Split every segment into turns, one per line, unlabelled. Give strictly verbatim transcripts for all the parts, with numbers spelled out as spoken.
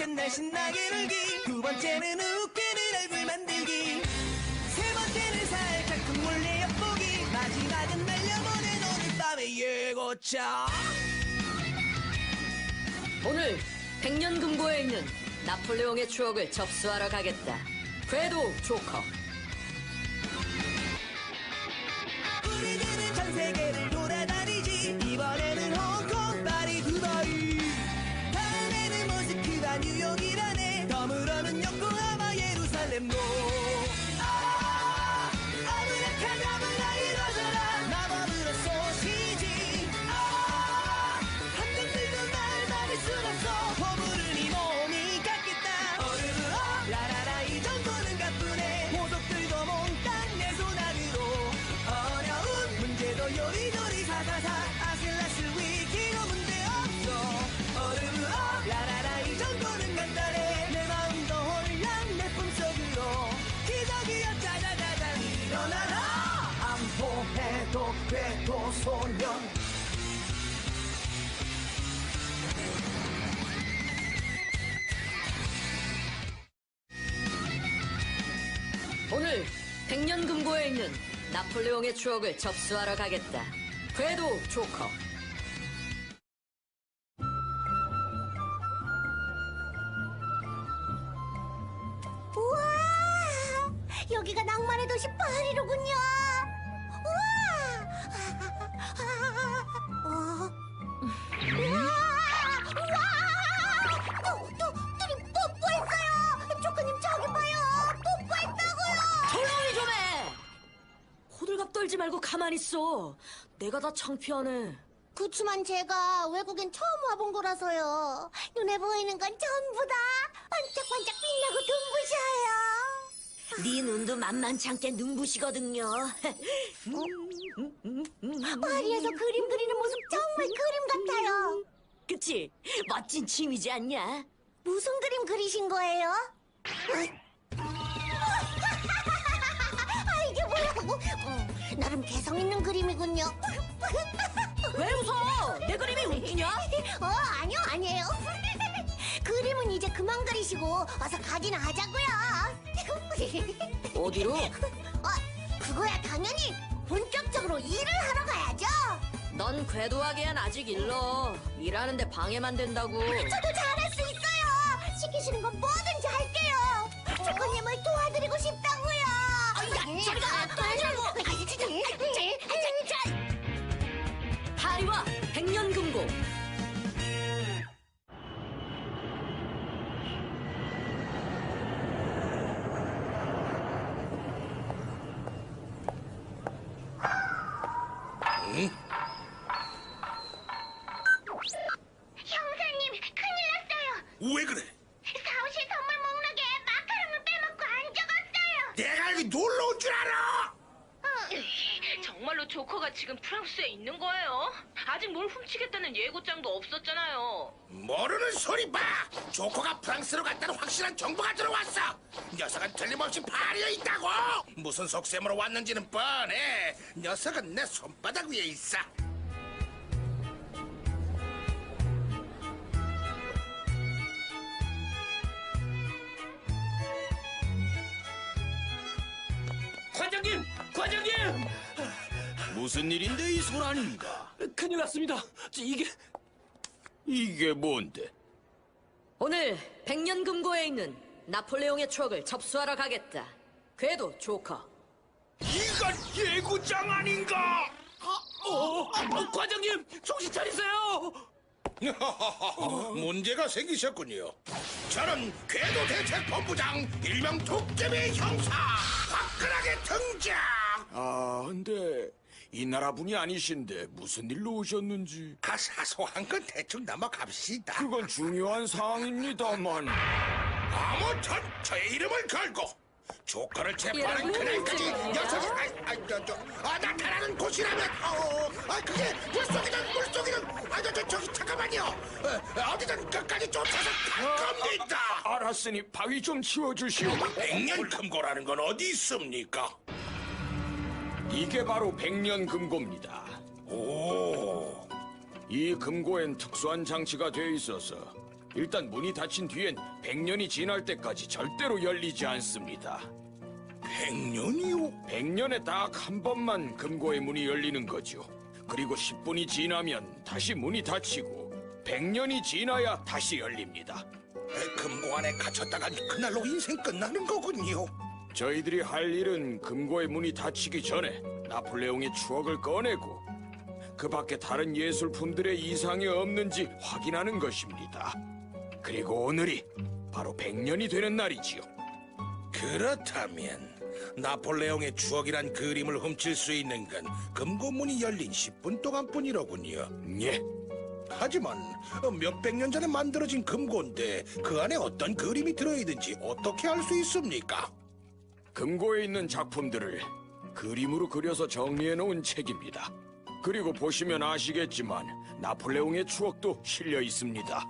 첫날 신나게 놀기, 두 번째는 웃기는 얼굴 만들기, 세 번째는 살짝 몰래 엿보기, 마지막은 날려보낸 오늘 밤의 예고차.
오늘 백년금고에 있는 나폴레옹의 추억을 접수하러 가겠다. 궤도 조커.
우리들은 전 세계를 돌아다니지. 이번에는 홍콩, 파리, 두바이, 다음에는 모스크바, 뉴욕이라네. 덤으로는 요코하마, 예루살렘도. 아, 아브라카다브라 이뤄져라. 마법으로 쏘시지. 아, 함정들도 날 막을 순 없어. 허물은 이 몸이 깎겠다. 어르르 어, 라라라 이 정도는 가뿐해. 모독들도 몽땅 내 손 안으로. 어려운 문제도 요리조리 사사사. 아슬아슬 위기도 문제없어. 어르르 어, 라라라 이 정도는 간단해. 내 마음도 홀랑 내 품속으로. 기적이여 짜자자자 일어나라. 안보해도 궤도 소년.
오늘 백년금고에 있는 나폴레옹의 추억을 접수하러 가겠다. 궤도 조커.
우와! 여기가 낭만의 도시 파리로군요. 우와! 어? 우와! 우와! 또, 또, 둘이 뽀뽀했어요. 조커님 저기 봐요. 뽀뽀했다고요.
조용히 좀 해! 호들갑 떨지 말고 가만히 있어. 내가 다 창피하네.
그치만 제가 외국엔 처음 와본 거라서요. 눈에 보이는 건 전부 다 반짝반짝 빛나고 눈부셔요.
네 눈도 만만치 않게 눈부시거든요.
파리에서 그림 그리는 모습 정말 그림 같아요.
그치? 멋진 취미지 않냐?
무슨 그림 그리신 거예요? 아, 이게 뭐라고? 어, 나름 개성 있는 그림이군요.
왜 웃어? 내 그림이 웃기냐?
어, 아니요, 아니에요. 그림은 이제 그만 그리시고 어서 가기나 하자고요.
어디로?
어, 그거야 당연히 본격적으로 일을 하러 가야죠.
넌 궤도하기엔 아직 일러. 일하는데 방해만 된다고.
저도 잘할 수 있어요. 시키시는 건 뭐든지 할게요. 조커님을 도와드리고 싶다고요. 야, 저리가 도와주라고.
파리와 백년금고.
형사님, 큰일 났어요.
왜 그래?
사무실 선물 목록에 마카롱을 빼먹고 안 적었어요.
내가 여기 놀러 온 줄 알아?
정말로 조커가 지금 프랑스에 있는 거예요? 아직 뭘 훔치겠다는 예고장도 없었잖아요.
모르는 소리 봐! 조커가 프랑스로 갔다는 확실한 정보가 들어왔어! 녀석은 틀림없이 파리에 있다고! 무슨 속셈으로 왔는지는 뻔해! 녀석은 내 손바닥 위에 있어!
과장님! 과장님!
무슨 일인데 이 소란인가?
큰일 났습니다. 저 이게
이게 뭔데?
오늘 백년금고에 있는 나폴레옹의 추억을 접수하러 가겠다. 궤도 조커.
이건 예고장 아닌가?
어, 어, 과장님 정신 차리세요.
문제가 생기셨군요. 저는 궤도대책본부장 일명 도깨비 형사 화끈하게 등장.
아, 근데 이 나라 분이 아니신데 무슨 일로 오셨는지.
아, 사소한 건 대충 넘어갑시다.
그건 중요한 사항입니다만.
아무튼 저의 이름을 걸고 조커를 체포하는
예,
그날까지
음,
녀석이 아, 아, 저, 저, 아, 나타나는 곳이라면 어, 아, 그게 물속이든 물속이든 아, 저, 저, 저기 잠깐만요. 어, 어디든 끝까지 쫓아서 갈 겁니다.
알았으니 바위 좀 치워주시오.
백년금고라는 건 어디 있습니까?
이게 바로 백년금고입니다.
오,
이 금고엔 특수한 장치가 돼 있어서 일단 문이 닫힌 뒤엔 백 년이 지날 때까지 절대로 열리지 않습니다.
백 년이요?
백 년에 딱 한 번만 금고의 문이 열리는 거죠. 그리고 십 분이 지나면 다시 문이 닫히고 백 년이 지나야 다시 열립니다.
금고 안에 갇혔다간 그날로 인생 끝나는 거군요.
저희들이 할 일은 금고의 문이 닫히기 전에 나폴레옹의 추억을 꺼내고 그 밖에 다른 예술품들의 이상이 없는지 확인하는 것입니다. 그리고 오늘이 바로 백 년이 되는 날이지요.
그렇다면 나폴레옹의 추억이란 그림을 훔칠 수 있는 건 금고문이 열린 십 분 동안뿐이로군요.
예,
하지만 몇백 년 전에 만들어진 금고인데 그 안에 어떤 그림이 들어있는지 어떻게 알 수 있습니까?
금고에 있는 작품들을 그림으로 그려서 정리해 놓은 책입니다. 그리고 보시면 아시겠지만 나폴레옹의 추억도 실려 있습니다.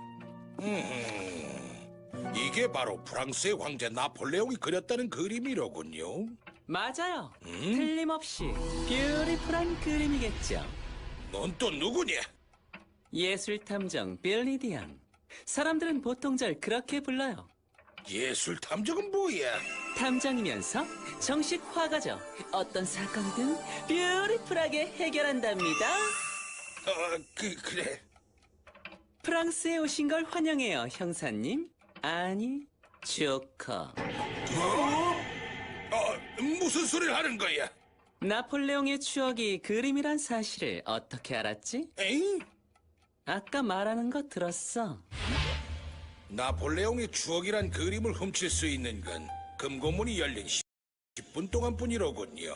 음, 이게 바로 프랑스의 황제 나폴레옹이 그렸다는 그림이로군요.
맞아요. 틀림없이 뷰티풀한 그림이겠죠.
넌 또 누구냐?
예술탐정 빌리 디앙. 사람들은 보통 절 그렇게 불러요.
예술 탐정은 뭐야?
탐정이면서 정식 화가죠. 어떤 사건이든 뷰티풀하게 해결한답니다.
어, 그, 그래.
프랑스에 오신 걸 환영해요, 형사님. 아니, 조커.
어, 무슨 소리를 하는 거야?
나폴레옹의 추억이 그림이란 사실을 어떻게 알았지?
에잉?
아까 말하는 거 들었어.
나폴레옹의 추억이란 그림을 훔칠 수 있는 건 금고문이 열린 십 분 동안뿐이로군요.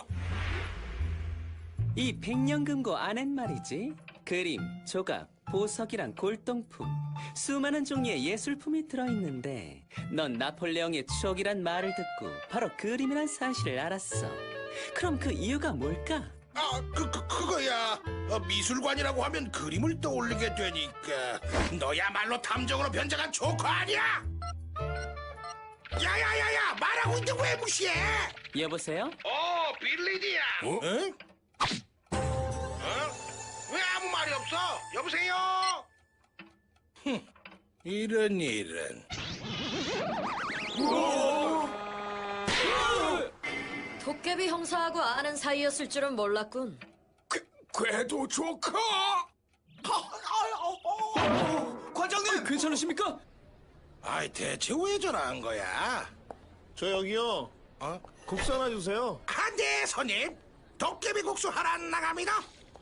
이 백년금고 안엔 말이지. 그림, 조각, 보석이랑 골동품, 수많은 종류의 예술품이 들어있는데 넌 나폴레옹의 추억이란 말을 듣고 바로 그림이란 사실을 알았어. 그럼 그 이유가 뭘까?
아, 그, 그, 그거야. 어, 미술관이라고 하면 그림을 떠올리게 되니까. 너야말로 탐정으로 변장한 조커 아니야? 야야야야, 말하고 있는데 왜 무시해?
여보세요?
어, 빌리디야. 어? 응? 어? 왜 아무 말이 없어? 여보세요? 흠, 이런 이런.
도깨비 형사하고 아는 사이였을 줄은 몰랐군.
궤도 조커!
과장님 괜찮으십니까?
아이, 대체 왜 전화한 거야?
저 여기요.
어?
국수 하나 주세요.
아, 네, 손님. 도깨비 국수 하나 나갑니다.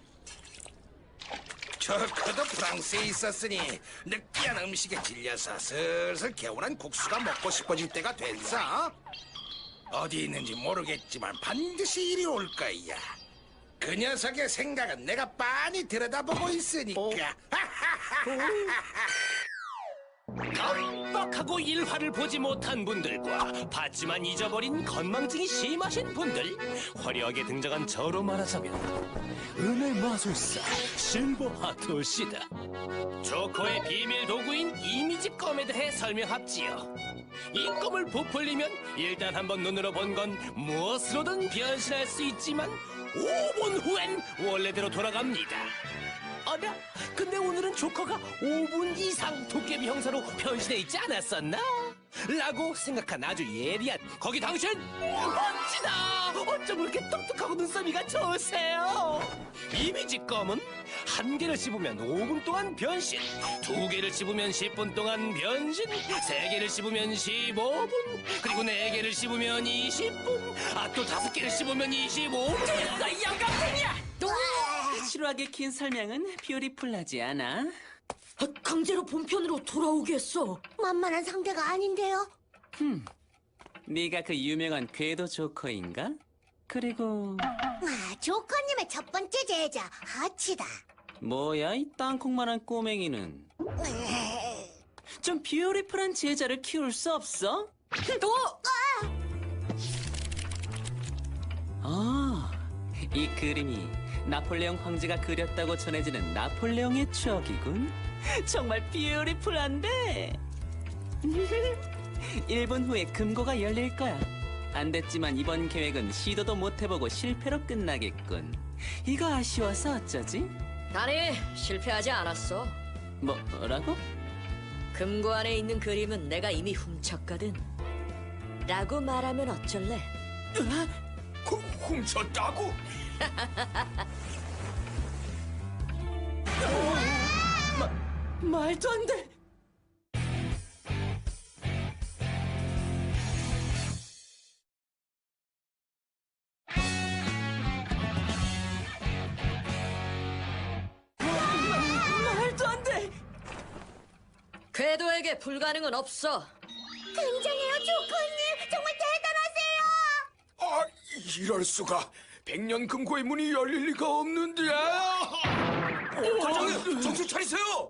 조커도 프랑스에 있었으니 느끼한 음식에 질려서 슬슬 개운한 국수가 먹고 싶어질 때가 됐어. 어디 있는지 모르겠지만 반드시 이리 올 거야. 그 녀석의 생각은 내가 빤히 들여다보고 있으니까.
깜빡하고 일화를 보지 못한 분들과 봤지만 잊어버린 건망증이 심하신 분들, 화려하게 등장한 저로 말하자면 은의 마술사 실버 하토시다. 조커의 비밀 도구인 이미지 껌에 대해 설명합지요. 이 껌을 부풀리면 일단 한번 눈으로 본 건 무엇으로든 변신할 수 있지만 오 분 후엔 원래대로 돌아갑니다. 어라? 근데 오늘은 조커가 오 분 이상 도깨비 형사로 변신해 있지 않았었나? 라고 생각한 아주 예리한 거기 당신! 멋지다! 어쩜 그렇게 똑똑하고 눈썰미가 좋으세요? 이미지 껌은 한 개를 씹으면 오 분 동안 변신, 두 개를 씹으면 십 분 동안 변신, 세 개를 씹으면 십오 분, 그리고 네 개를 씹으면 이십 분, 아 또 다섯 개를 씹으면 이십오 분. 됐어, 영감탱이야!
지루하게 긴 설명은 뷰티풀하지 않아.
아, 강제로 본편으로 돌아오게 했어.
만만한 상대가 아닌데요.
네가 그 유명한 궤도 조커인가? 그리고
아, 조커님의 첫 번째 제자 하치다.
뭐야 이 땅콩만한 꼬맹이는. 좀 뷰티풀한 제자를 키울 수 없어?
또
아, 이 그림이 나폴레옹 황제가 그렸다고 전해지는 나폴레옹의 추억이군. 정말 뷰티풀한데. 일 분 후에 금고가 열릴 거야. 안 됐지만 이번 계획은 시도도 못 해보고 실패로 끝나겠군. 이거 아쉬워서 어쩌지?
아니 실패하지 않았어.
뭐라고?
금고 안에 있는 그림은 내가 이미 훔쳤거든. 라고 말하면 어쩔래?
그 훔쳤다고?
말도 안 돼. 말도 안 돼.
궤도에게 불가능은 없어.
굉장해요, 조커님. 정말 대단하세요.
아, 이럴 수가. 백년 금고의 문이 열릴 리가 없는데. 과장님, 정신 차리세요.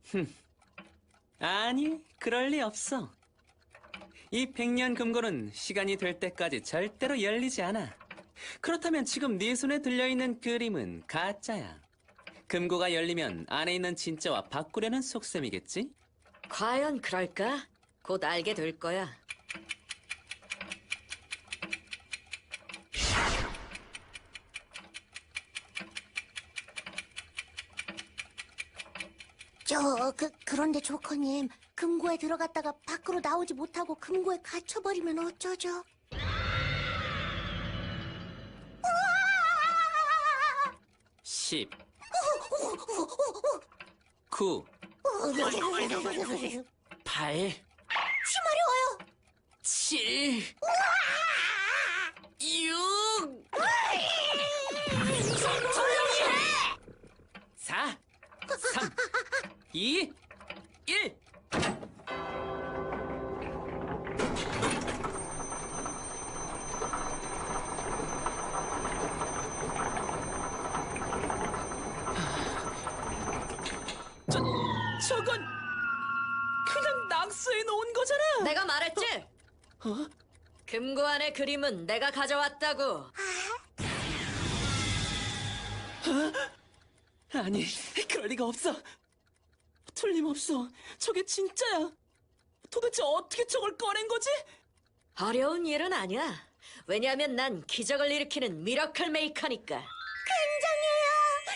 아니, 그럴 리 없어. 이 백년 금고는 시간이 될 때까지 절대로 열리지 않아. 그렇다면 지금 네 손에 들려있는 그림은 가짜야. 금고가 열리면 안에 있는 진짜와 바꾸려는 속셈이겠지?
과연 그럴까? 곧 알게 될 거야.
저, 그, 그런데 조커님, 금고에 들어갔다가 밖으로 나오지 못하고 금고에 갇혀버리면 어쩌죠? 우와!
십, 구, 팔,
쉬마려워요.
칠, 육, 사, 삼, 이, 일. 저, 저건 그냥 낙서해 놓은 거잖아.
내가 말했지?
어?
금고 안의 그림은 내가 가져왔다고.
아니, 그럴 리가 없어. 틀림없어. 저게 진짜야. 도대체 어떻게 저걸 꺼낸 거지?
어려운 일은 아니야. 왜냐하면 난 기적을 일으키는 미러클 메이커니까.
굉장해요.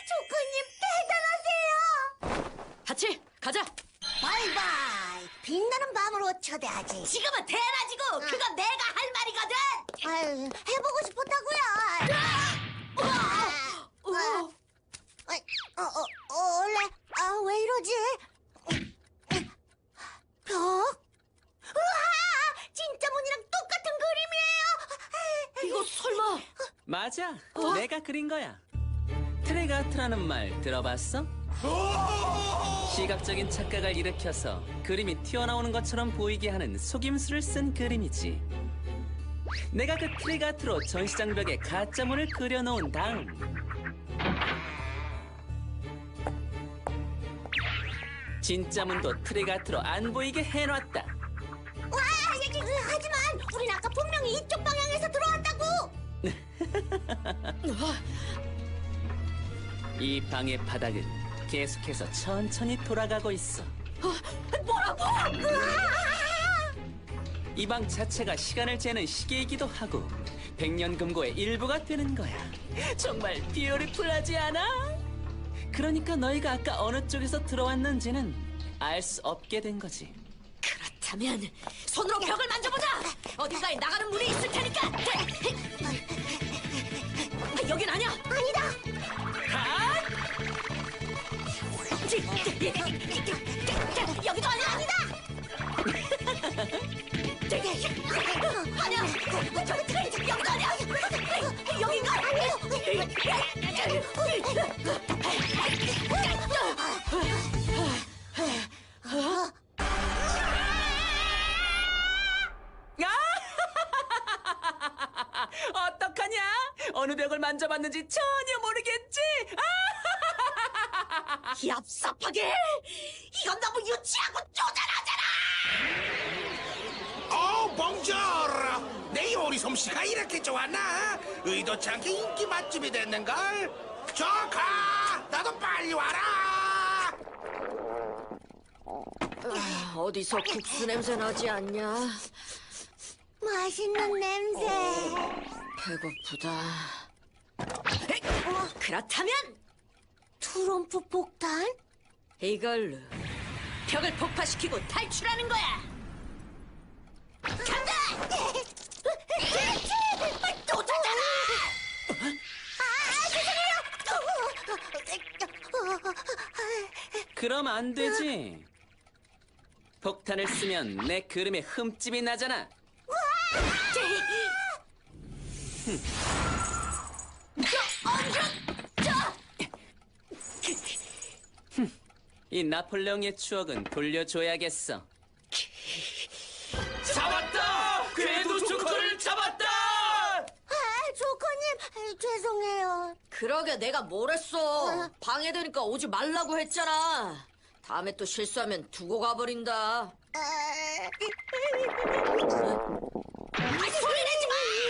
조커님, 대단하세요.
하치, 가자.
바이바이. 빛나는 밤으로 초대하지.
지금은 대낮이고 그건 내가 할 말이거든.
아유, 해보고 싶었다고요.
어,
아, 어, 어, 어, 원래, 아, 왜 이러지? 벽? 우와! 진짜 문이랑 똑같은 그림이에요!
이거 설마?
맞아. 내가 그린 거야. 트레가트라는 말 들어봤어? 시각적인 착각을 일으켜서 그림이 튀어나오는 것처럼 보이게 하는 속임수를 쓴 그림이지. 내가 그 트레가트로 전시장벽에 가짜문을 그려놓은 다음 진짜 문도 트레가트로 안 보이게 해놨다.
와, 예, 예, 하지만 우린 아까 분명히 이쪽 방향에서 들어왔다고!
이 방의 바닥은 계속해서 천천히 돌아가고 있어.
뭐라고?
이 방 자체가 시간을 재는 시계이기도 하고 백년금고의 일부가 되는 거야. 정말 뷰티풀하지 않아? 그러니까 너희가 아까 어느 쪽에서 들어왔는지는 알 수 없게 된 거지.
그렇다면 손으로 벽을 만져보자. 어딘가에 나가는 문이 있을 테니까. 아, 여긴 아니야.
아니다!
아! 여기도 아니야.
아니다!
아니야. 저기 트레이 여기도 아니야. 여긴가?
어떡하냐? 어느 벽을 만져봤는지 전혀 모르겠지?
얍삽하게. 이건 너무 유치하고 쪼잔하잖아.
어, 봉저라. 내 요리 솜씨가 이렇게 좋았나? 의도치 않게 인기 맛집이 됐는걸. 조카, 나도 빨리 와라.
아, 어디서 국수 냄새 나지 않냐?
맛있는 냄새.
배고프다. 그렇다면
트럼프 폭탄?
이걸로 벽을 폭파시키고 탈출하는 거야. 간다!
또 찾아라! 아, 죄송해요!
그럼 안 되지. 폭탄을 쓰면 내 그림에 흠집이 나잖아. 이 나폴레옹의 추억은 돌려줘야겠어.
잡았다! 궤도 조커를 잡았다!
아, 조커님, 죄송해요.
그러게 내가 뭘 했어. 방해되니까 오지 말라고 했잖아. 다음에 또 실수하면 두고 가버린다.
아,
소리 내지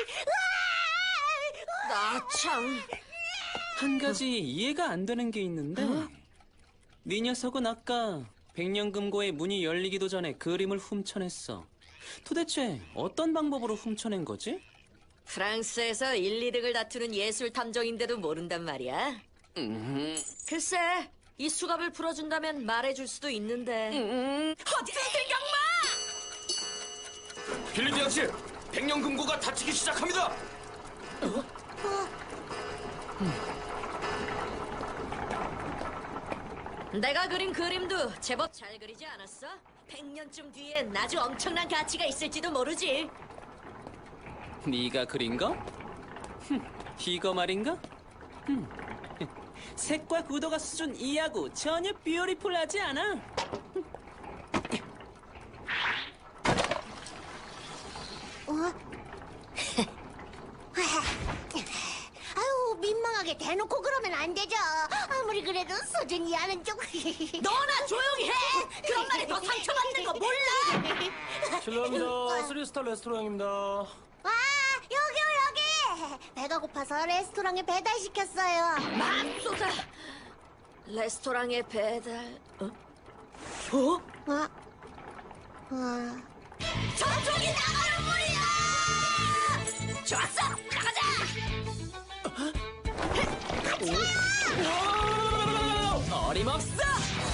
마! 나 참.
한 가지 이해가 안 되는 게 있는데 네 녀석은 아까 백년금고의 문이 열리기도 전에 그림을 훔쳐냈어. 도대체 어떤 방법으로 훔쳐낸 거지?
프랑스에서 일, 이 등을 다투는 예술 탐정인데도 모른단 말이야.
음,
글쎄, 이 수갑을 풀어준다면 말해줄 수도 있는데.
음.
어디 생각마!
빌리드 양씨, 백년금고가 다치기 시작합니다.
내가 그린 그림도 제법 잘 그리지 않았어? 백 년쯤 뒤엔 아주 엄청난 가치가 있을지도 모르지.
네가 그린 거? 흠, 이거 말인가? 흠, 색과 구도가 수준 이하고 전혀 뷰티풀하지 않아.
아유, 민망하게 대놓고 그러면 안 되죠. 아무리 그래도 수준 이하는 좀.
너나 조용히 해! 그런 말에 더 상처받는 거 몰라!
실례합니다. 쓰리스타 레스토랑입니다.
아, 여기요, 여기. 배가 고파서 레스토랑에 배달시켰어요.
맙소사! 레스토랑에 배달... 어? 어?
어? 어.
저쪽이 나가는 물이야! 좋았어! 나가자!
어림없어!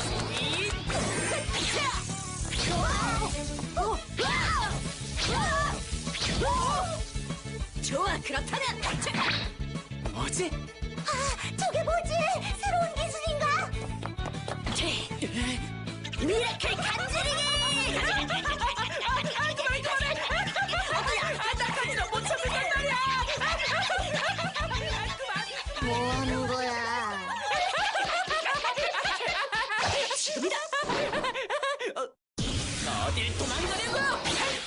좋아, 그렇다면
뭐지?
아, 저게 뭐지? 새로운 기술인가?
미라클 간지리기!
뭐 하는 거야?
어딜 도망가려고!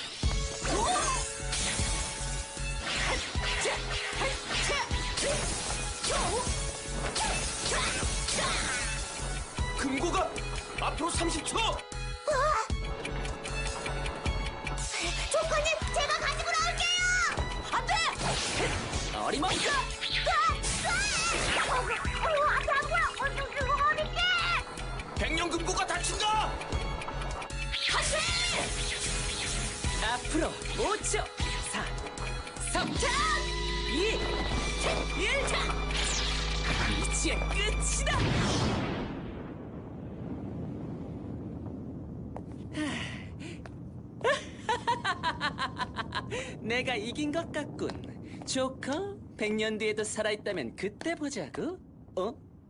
금고가 앞으로 삼십 초!
조커님, 제가 가지고 나올게요!
안 돼!
어림없어!
어, 어, 앞에 안 보여! 어, 저, 그거 어딨게!
백년금고가 다친다!
앞으로 오 초! 사, 삼, 이, 일! 이제 끝이다! 내가 이긴 것 같군. 조커, 백 년 뒤에도 살아있다면 그때 보자고. 어?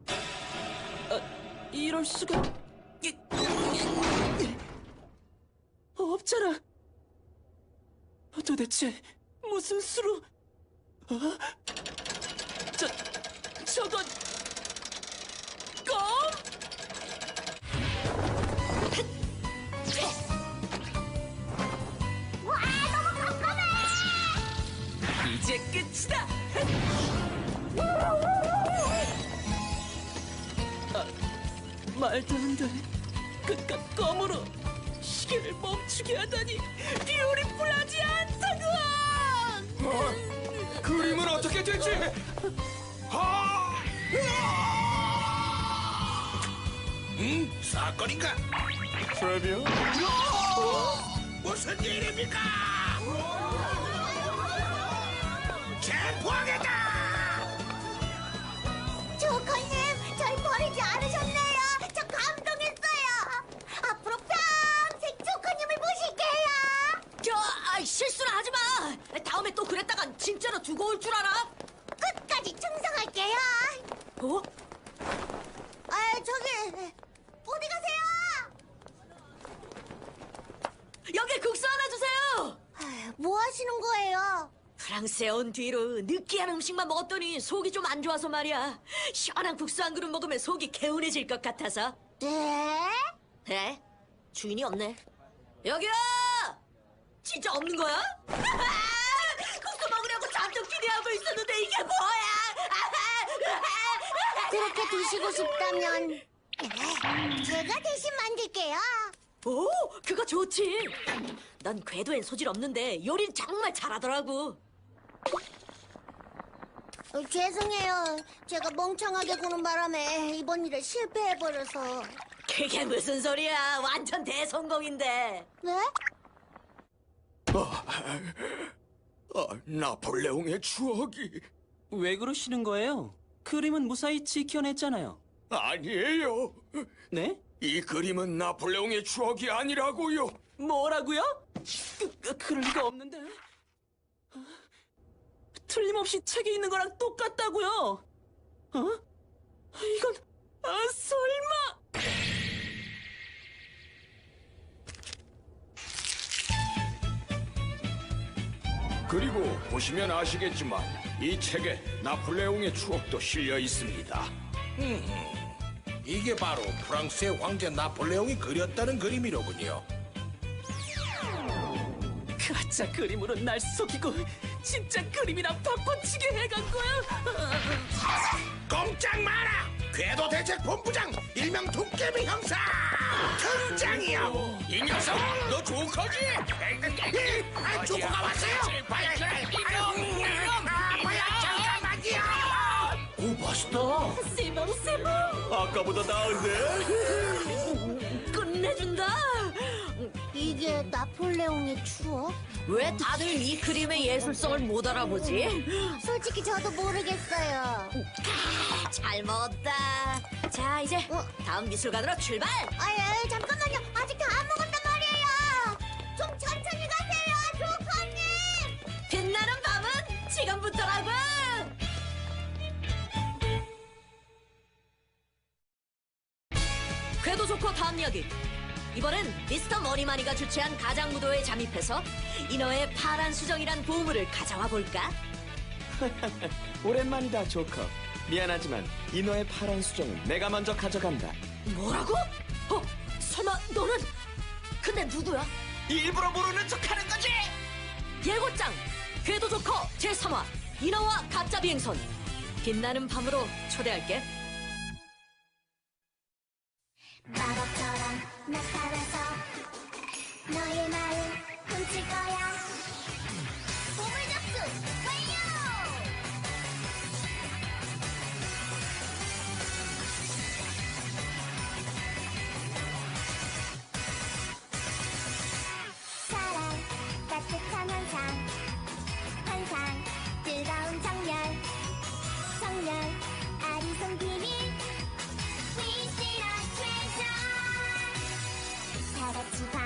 어, 이럴 수가... 이- 없잖아. 도대체 무슨 수로... 어? 저... 저건... 껌?
와, 너무 깜깜해!
이제 끝이다! 아, 말도 안 돼. 그깟 껌으로 시계를 멈추게 하다니 뷰티풀하지 않다고!
어, 그림은 어떻게 되지? 아!
음, 사건인가?
트레비어?
무슨 일입니까? 체포하겠다!
조커님, 절 버리지 않으셨네요. 저 감동했어요. 앞으로
갖고 올 줄 알아?
끝까지 충성할게요.
어?
아, 저기 어디 가세요?
여기 국수 하나 주세요.
아, 뭐 하시는 거예요?
프랑스에 온 뒤로 느끼한 음식만 먹었더니 속이 좀 안 좋아서 말이야. 시원한 국수 한 그릇 먹으면 속이 개운해질 것 같아서.
네?
에? 주인이 없네. 여기요! 진짜 없는 거야? 국수 먹으려고 잔뜩 기대하고 있었는데 이게 뭐야?
그렇게 드시고 싶다면 제가 대신 만들게요.
오, 그거 좋지. 난 궤도엔 소질 없는데 요리는 정말 잘하더라고.
어, 죄송해요. 제가 멍청하게 구는 바람에 이번 일에 실패해버려서.
그게 무슨 소리야? 완전 대성공인데.
네?
아, 나폴레옹의 추억이
왜 그러시는 거예요? 그림은 무사히 지켜냈잖아요.
아니에요.
네?
이 그림은 나폴레옹의 추억이 아니라고요.
뭐라고요? 그, 그, 그럴 리가 없는데. 틀림없이 책에 있는 거랑 똑같다고요. 어? 이건 아, 설마.
그리고 보시면 아시겠지만 이 책에 나폴레옹의 추억도 실려 있습니다.
이게 바로 프랑스의 황제 나폴레옹이 그렸다는 그림이로군요.
가짜 그림으로 날 속이고 진짜 그림이랑 바꿔치게 해간 거야.
꼼짝 마라! 궤도 대책 본부장 일명 도깨비 형사 등장이요. 이 녀석 너 조커지? 아, 조커가 왔어요. 뭐야 잠깐만요.
오, 맛있다.
세봉 세봉.
아까보다 나은데?
끝내준다.
이게 나폴레옹의 추억?
왜 다들 이 그림의 예술성을 못 알아보지?
솔직히 저도 모르겠어요.
잘 먹었다. 자, 이제
어?
다음 미술관으로 출발.
아유, 잠깐만요. 아직 다 안 먹었단 말이에요. 좀 천천히 가세요, 조커님.
빛나는 밤은 지금부터라고. 궤도 좋고 다음 이야기. 이번엔 미스터 머니마니가 주최한 가장무도에 잠입해서 인어의 파란 수정이란 보물을 가져와 볼까?
오랜만이다, 조커. 미안하지만 인어의 파란 수정은 내가 먼저 가져간다.
뭐라고? 어? 설마 너는? 근데 누구야?
일부러 모르는 척하는 거지?
예고장! 궤도 조커 제삼 화 인어와 가짜 비행선. 빛나는 밤으로 초대할게.
마법처럼 나타나서 너의 마음 훔칠 거야. 보물 접수 완료! 사랑, 따뜻한 환상, 환상, 뜨거운 정열, 정열, 아리송 비밀. We see a treasure. 다 같이 봐.